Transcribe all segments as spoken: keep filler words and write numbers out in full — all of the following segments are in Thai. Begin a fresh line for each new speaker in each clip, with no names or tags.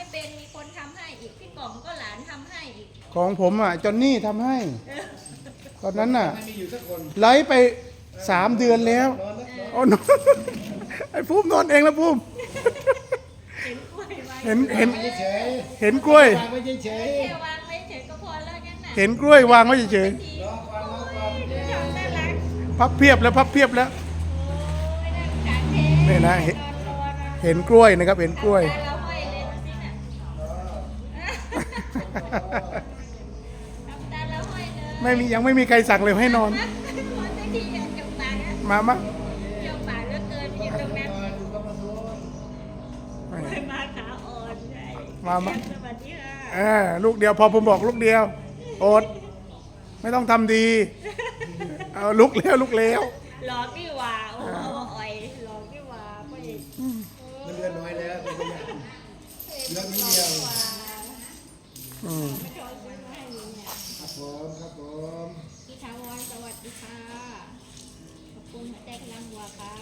เป็นมีคนทำให้อีกพี่กล่องก็หลานทำให้อีก
ของผมอ่ะจอนนี่ทำให้ตอนนั้นน่ะไลฟ์ไปสามเดือนแล้วโอ้นอนไอ้ภูมินอนเองแล้วภูมิเห็นเห็นเห็นกล้วย
แค่วางไว้เฉยก็พอแล้วงั้นน่ะ
เห็นกล้วยวางไว้เฉย
ๆ
พับเพียบแล้วพับเพียบแล้วนี่นะเห็นกล้วยนะครับเห็นกล้วยไม่มียังไม่มีใครสั่งเลยให้นอนมามามาขาอ่อนมามาเออลูกเดียวพอผมบอกลูกเดียวอดไม่ต้องทำดีเอาลุกแล้วลุกแล้ว
หลอกนี่ว่าโอ้อ่อยหลอกนี่ว่าไม่
มันเดือนน้อยแล้วเป็นตัวอย่างเรื่องนี้เดียวครับผมครับผม
พี่ทาวรสวัสดีค่ะขอบคุณหัวใจพลังวัวค่ะ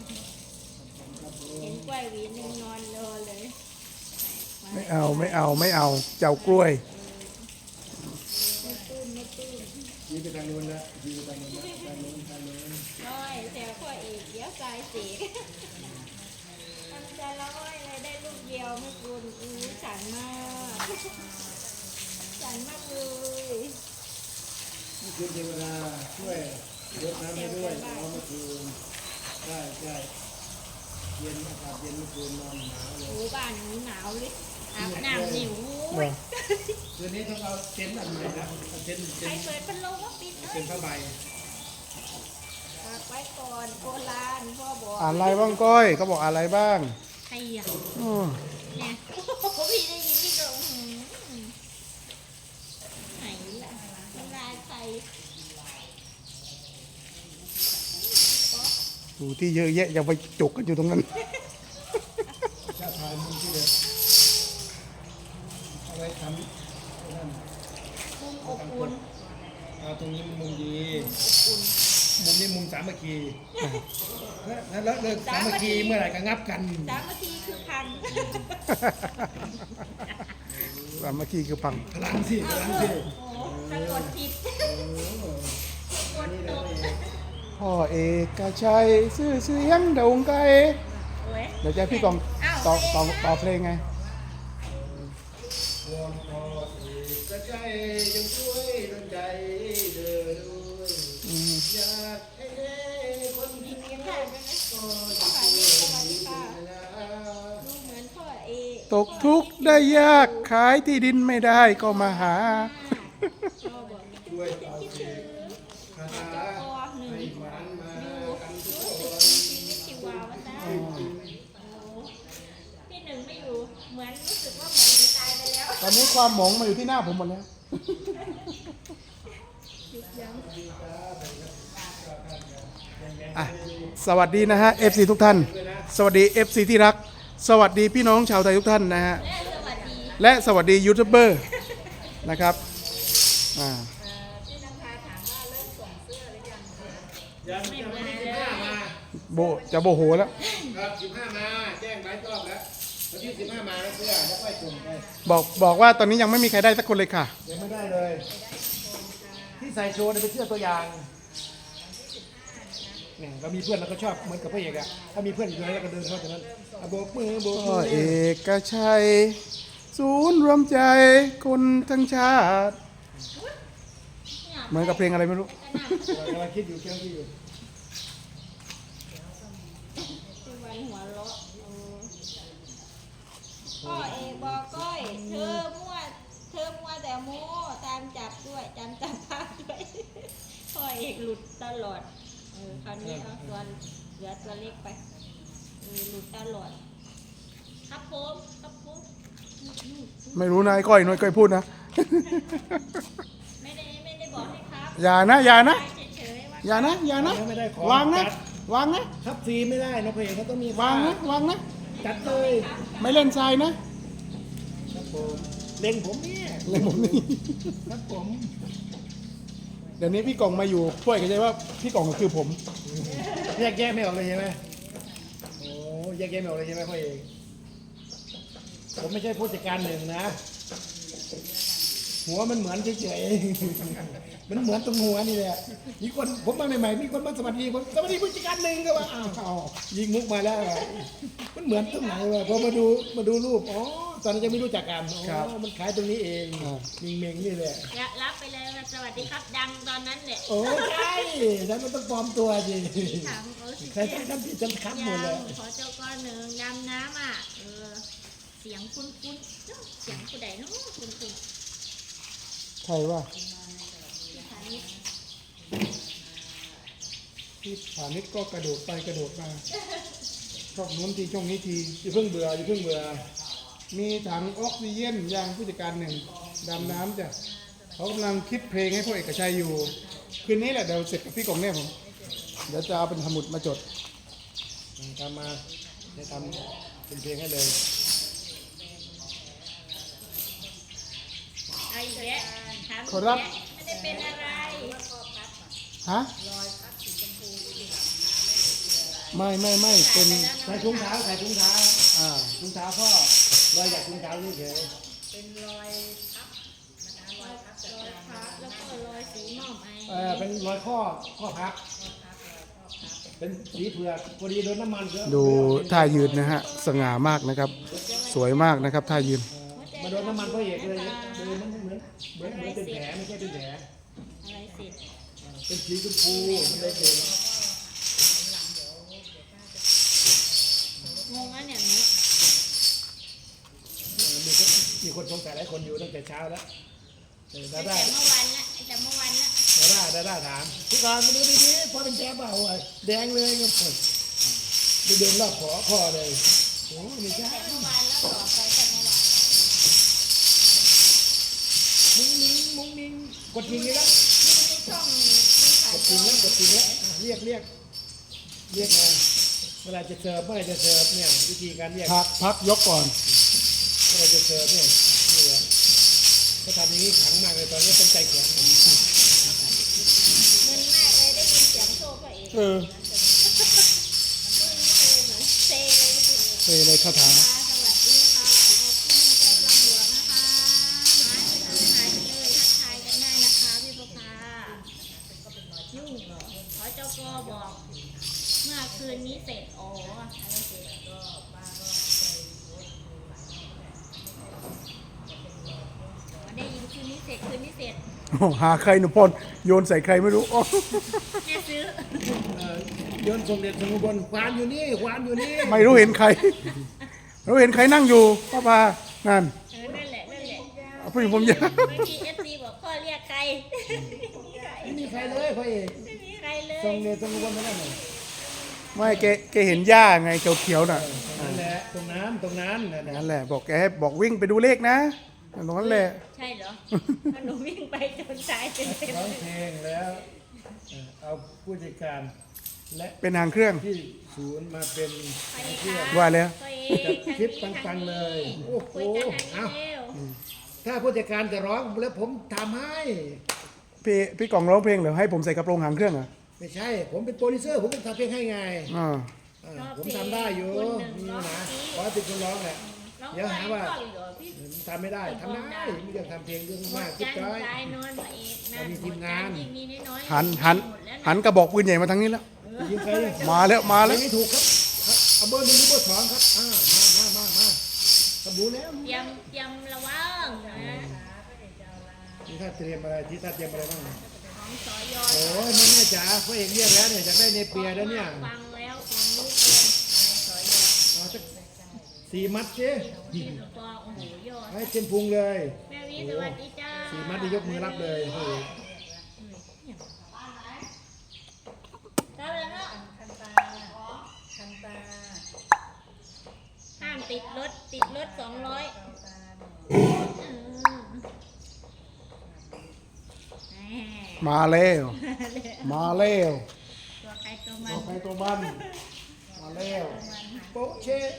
เห็นกล้วยหวีนึงนอนรอเลย
ไม่เอาไม่เอาไม่เอาเจ้ากล้วย
ไม่ตื้นไม่ตื้น
ยีไปทางนู้นนะยีไปทางนู้นนะทางนู้นทางนู้น
น้อยแต่พ่อเอกเดี๋ยวกายเสียทำใจละอ้อยเลยได้ลูกเดียวไม่กุนอู้ฉันมากฉันมากเลย
นี่คือเทวดาช่วยยกน้ำให้ด้วยน้องเมื่อคืนใช่ใช่เย็นอากาศเย็นเมื่อคืนนอนหนาวเลย
โอ้บ้านนี้หนาวเลยอาบน้ำหนิว
คืนนี้ต้องเอาเต็นท์อันใหม่นะเต็นท์
ใครเปิดพัดลมก็ปิด
เป็นผ้าใบ
ฝากไว้ก่อนโบราณพ่อบอก
อะไรบ้างก้อยเขาบอกอะไรบ้าง
ใครอ่ะเนี่ยพี่ได้ยินพี่ก็ไหนล่ะมันลายใคร
ดูที่เยอะแยะอย่าไปจุกกันอยู่ตรงนั้น
ชาติไทยมุมที่เด็ดเอาไว้ทำมุ
มอบอุ่น
เอาตรงนี้มุมดีมุมนี้มุมสามัคคีแล้วเลิกสามัคคีเมื่อไหร่ก็งับกัน
สามัคคีคือพัง
สามัคคีคือพัง
พลังสิพลังสิ
สะกดผิดกดตก
พ่อเอกชัยซื่อเสียงโด่งไกลเดี๋ยวจะพี่กองต่อต่อต่อเพลงไง
พ่อเอกชัยยังช่วยดลใจเดินด้วยอยากให้เด็กคนที่มีรักก็จะมี
เหมือนพ่อเอ
ตกทุกข์ได้ยากขายที่ดินไม่ได้ก็มาหา
ช่วยเอาเด็กคาถาให้มันมากันทุกคน
พี่หนึ่งไม่อยู่เหมือนรู้สึกว่าหมอจะตายไปแล้ว
ตอนนี้ความหมองมาอยู่ที่หน้าผมหมดแล้วอ่ะสวัสดีนะฮะ เอฟ ซี ทุกท่านสวัสดี เอฟ ซี ที่รักสวัสดีพี่น้องชาวไทยทุกท่านนะฮะและสวัสดียูทูบเบอร์นะครับอ่าโบจะโบโหแล้ว
ครับสิบห้ามาแจ้งไว้รอบแล้ววันที่สิบห้ามาเสื้อแล้วค่อยส่งไป
บอกบอกว่าตอนนี้ยังไม่มีใครได้สักคนเลยค่ะ
ยังไม่ได้เลยที่ใส่โชว์เป็นเสื้อตัวอย่างเนี่ยเรามีเพื่อนเราก็ชอบเหมือนกับพระเอกอะถ้ามีเพื่อนอยู่ไหนเราก็เดินเข้าจากนั้นโบกมือโบกมือ
เอกชัยศูนย์รวมใจคนทั้งชาติเหมือนกับเพลงอะไรไม่รู้
กำลังคิดอยู่เกี่ยวกับอยู่
พ่อเอกบอกก้อยเธอมั่วเธอมั่วแต่โม่ตามจับด้วยจำจับภาพด้วยพ่อเอกหลุดตลอดเออคราวนี้เอาตัวเหลือตัวเล็กไปเออหลุดตลอดครับผมครับผม
ไม่รู้นะไอ้ก้อยน้อยก้อยพูดนะ
ไม่ได้ไม่ได้บอกให้ครับ
อย่านะอย่านะอย่านะอย่านะวางนะวางนะครับ
ฟรีไม่ได้นะเพลงเขาต้องมี
วางนะวางนะ
จัดเลย
ไม่เล่นทรายนะครับ
ผมเล่นผมเนี่ย
เล่นผมนี่
ครับผม
เดี๋ยวนี้พี่กล่องมาอยู่ช่วยกันใช่ว่าพี่กล่องคือผม
แยกแยะไม่ออกเลยใช่ไหมโอ้แยกแยะไม่ออกเลยใช่ไหมพ่อเอกผมไม่ใช่ผู้จัดการหนึ่งนะ หัวมันเหมือนเฉยๆ มันเหมือนตรงหัวนี่แหละมีคนผมมาใหม่ๆมีคนมาสวัสดีผมสวัสดีผู้จัดการหนึ่งก็ว่าอ้าวอ้าวยิงมุกมาแล้วอะมันเหมือนตรงไหนวะพอมาดูมาดูรูปอ๋อตอนนั้นยังไม่รู้จักกันอ๋อมันขายตรงนี้เองมิงเมงนี่แหละ
อย่ารับไปเลยว่าสวัสดีครับดังตอนนั้นแหละ
โอ้ใช่ฉันมันต้องปลอมตัวสิ
ถามเขาสิ
ใครใช้ทำผิดจำคับหมดเลย
ขอเจ้าก้อนหนึ่งดำน้ำอ่ะเออเสียงคุ้นคุ้นๆเจ้าเสียงผู้ใดเนาะคุ้นคุ้น
ใครว่า
ๆที่ฐานิช
ที่ผานิดก็กระโดดไปกระโดดมาช่องนู้นทีช่องนี้ทีอย่าเพิ่งเบื่ออย่าเพิ่งเบื่อมีถังออกซิเจนยางผู้จัดการหนึ่งดำน้ำจ้ะเขากำลังคิดเพลงให้พ่อเอกชัยอยู่ คืนนี้แหละเดี๋ยวเสร็จกับพี่กงเนี่ยผมเดี๋ยวจะเอาเป็นสมุดมาจด
ทำมาจะทำเป็นเพลงให้เลย
ไอ้แยะถาม
ขอรับ
แยะไม่ได้เป็นอะไร
ฮะไม่ไม่ไม่เป็น
ใส่ถุงเท้าใส่ถุงเท้า
อ่า
ถุงเท้าพ่อรอยจากถุงเท้าเฉย
รอยพับแล้วก็รอยสีหม่อมไอ
ๆเออเป็นรอยข้อข้อพับเป็นสีเผือกพอดีโดนน้ำมันเยอะ
ดูท่ายืนนะฮะสง่ามากนะครับ สวยมากนะครับท่ายืน
มาโดนน้ำมันพ่อเอกเลยเลยมันเหมือนเหมือนเหมือนเป็นแผลไม่ใช่เป็นแผล
อะไรเสร็จ
เป็นสีชมพูมันเลยเป็น
งงอ่ะเนี่ยหนู
เออมีคนมีคนสงสัยหลายคนอยู่ตั้งแต่เช้าแล้วเออ
ตั้
ดาง ด้า
แต่เมื่อวานละตั้งแต่เมื่อวานละ
ดาด้าดาด้าถามทุกการมาดูดีๆพอเป็นแผลเปล่าอ่ะแดงเลยก็ปวดไปเดินรอบขอคอเลยโอ้ไม่ใช่
แต่เมื่อวานแล้วต่อไปแต่เมื่อวาน
มุ้งมิ้งมุ้งมิ้งกดจริงเลยละ
มีช่องมีขาย
กดจริงแล้วกดจริงแล้วอ่ะเรียกเรียกเรียกมาเวลาจะเสิร์ฟเมื่อไหรจะเสิร์ฟเนี่ยวิธีการเรียก
พักพักยกก่อน
เมื่อไหรจะเสิร์ฟเนี่ยนี่แหละก็ทำอย่างนี้ขังมากเลยตอนนี้ต้องใจแข็ง
มึนมากเลยได้ยินเสียงโซ่พระเอก
เออ
เซเลย
เซเลยคาถา
สวัสดีค่ะขอบคุณเจ้าลำหลวงนะคะหายไปเลยหายไปเลยทักทายกันได้นะคะพี่ประภายุ่งเหรอขอเจ้ากอบอก เมื่อคืนนี้เสร็จอ๋ออะไรเสร็จก็ป้าก็ได้ยินคืนนี้เสร็จคืนนี้เสร็จ
โอ้หาใครหนูพลโยนใส่ใครไม่รู้อ๋อ
แม่ซื้อ
เอ่อโยนสมเด็จสมุบนควานอยู่นี่ควานอยู่นี่
ไม่รู้เห็นใครไม่รู้เห็นใครนั่งอยู่ป้าปานั่น
เออนั่นแหละนั่นแหละ
เอาผู้หญิงผมยาว
บางทีเอฟซีบอกพ่อเรียกใคร
ไม่มีใครเลยพ่อเอก
ไม่มีใครเลย
สมเด็จสมุบนนั่นน่ะ
ไม่แกแกเห็นหญ้าไงเขียวๆน่ะ
นั่นแหละตรงนั้นตรงนั้นนั่นแหละ
นั่นแหละบอกแกให้บอกวิ่งไปดูเลขนะตรงนั้นแหละ
ใช่เหรอถ้าหนูวิ่งไปจนตายเป็นเป็น
ร้องเพลงแล้วเอ่อเอาผู้จัดการและ
เป็นหางเครื่อง
ที่ศูนย์มาเป็น
ไปค่ะ
ว่าแล้ว
ไป
จัดคลิปปังๆเลย โอ้โห
คุยกันทาง
เอา
นี้เร็ว
ถ้าผู้จัดการจะร้องแล้วผมทำให้
พี่พี่กล่องร้องเพลงเหรอให้ผมใส่กระโปรงหางเครื่องเหรอ
ไม่ใช่ ผมเป็นโปรดิวเซอร์ผมต้องทำเพลงให้ไง
อ่า
อ่าผมทำได้อยู่นี่นะขอติดคนร้องแหละ
น้อง
เดี๋ยวหาว่า
ไปก่อนเหรอพี่
ทำไม่ได้ทำได้ไม่อยากทำเพลงเรื่อง
หม
มา
ด
กคิด
จัน
จ้อย
ทรายนอนมาเอกนั่น
เรามีทีมงาน
หดจัยิ่งมีน้อยๆ
หันหัน
หมดแล้วะ
หันกระบอกปืนใหญ่มาทางนี้แล้ว
ยิงใครเนี่ย
มาแล้วมา
เพล
แล้ว
งนี้ถูกครับครับเอาเบอร์หนึ่งหรือเบอร์สองครับอ่ามามามามาทำดูแล้ว
เตรียมเตรียมระวังนะ
ที่ท่านเตรียมอะไรที่ท่านเตรียมอะไรบ้าง
ของสอยอ
โอ้ยแม่แม่จ๋าพระเอกเรียกแล้วเนี่ยอยากได้เนเปียแล้วเนี่ย
ฟังแล้วฟังลูกเลยสอยอ
เอาสักสี่มัดสิ
ที่ลูกปอโอ้โหยอด
ให้เต็มพุงเลย
แม่วิสวัสดีจ้า
สี่มัดที่ยกมือรับเลยโอ้โห
ได้แล้วเนาะห้ามติดรถติดรถสองร้อย
มาแล้วมาแล้ว
ตัวใครตัวมั
ตัวน ใครตัวมันมาแล้ว
โป๊ะเชะ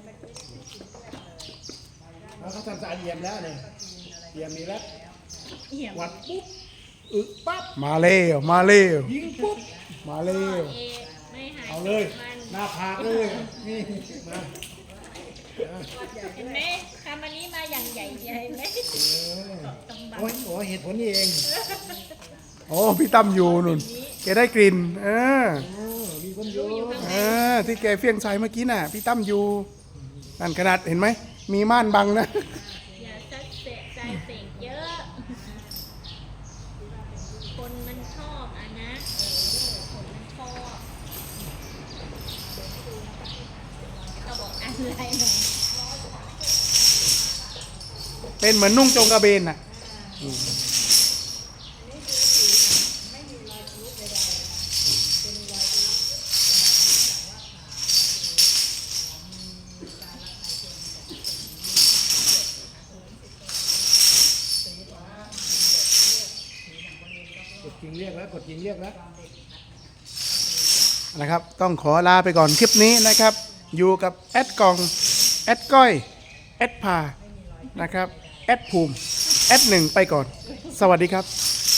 แล้วเขาทำสารเยี่ยมแล้วเนี่ยเยี่ยมนี้แล้ว
เหี่ยม
วัดปุ๊บอึปั๊บ
มาแล้วมาแล้ว
ยิงปุ๊บ
มาแล้ว
เอไม่หาย
เอาเลย
มัน
หน้าผากเลยนี่มา
เห็นไหมขทำอันนี้มาอย่างใหญ่ใหญ่ไหม
โอ้ยโอ้ยเหตุผลนี่เอง
โอ้พี่ตั้มอยู่นุ่นแกได้กลิ่นเออ
โอ้มีคนอยู่
เออที่แกเฟี้ยงใส่เมื่อกี้น่ะพี่ตั้มอยู่นั่นขนาดเห็นไหมมีม่านบังนะ
อย่าซัดเสะใจเสกเยอะ คนมันชอบอ่ะนะเออคนมันชอบเขาบอกอะไรหน่อย
เป็นเหมือนนุ่งจงกระเบนน่ะ
กดจริงเรียกแล้วกดจริงเรียกแล้ว
นะครับต้องขอลาไปก่อนคลิปนี้นะครับ อยู่กับแอดกองแอดก้อยแอดพานะครับแอดภูมิแอดหนึ่งไปก่อน สวัสดีครับ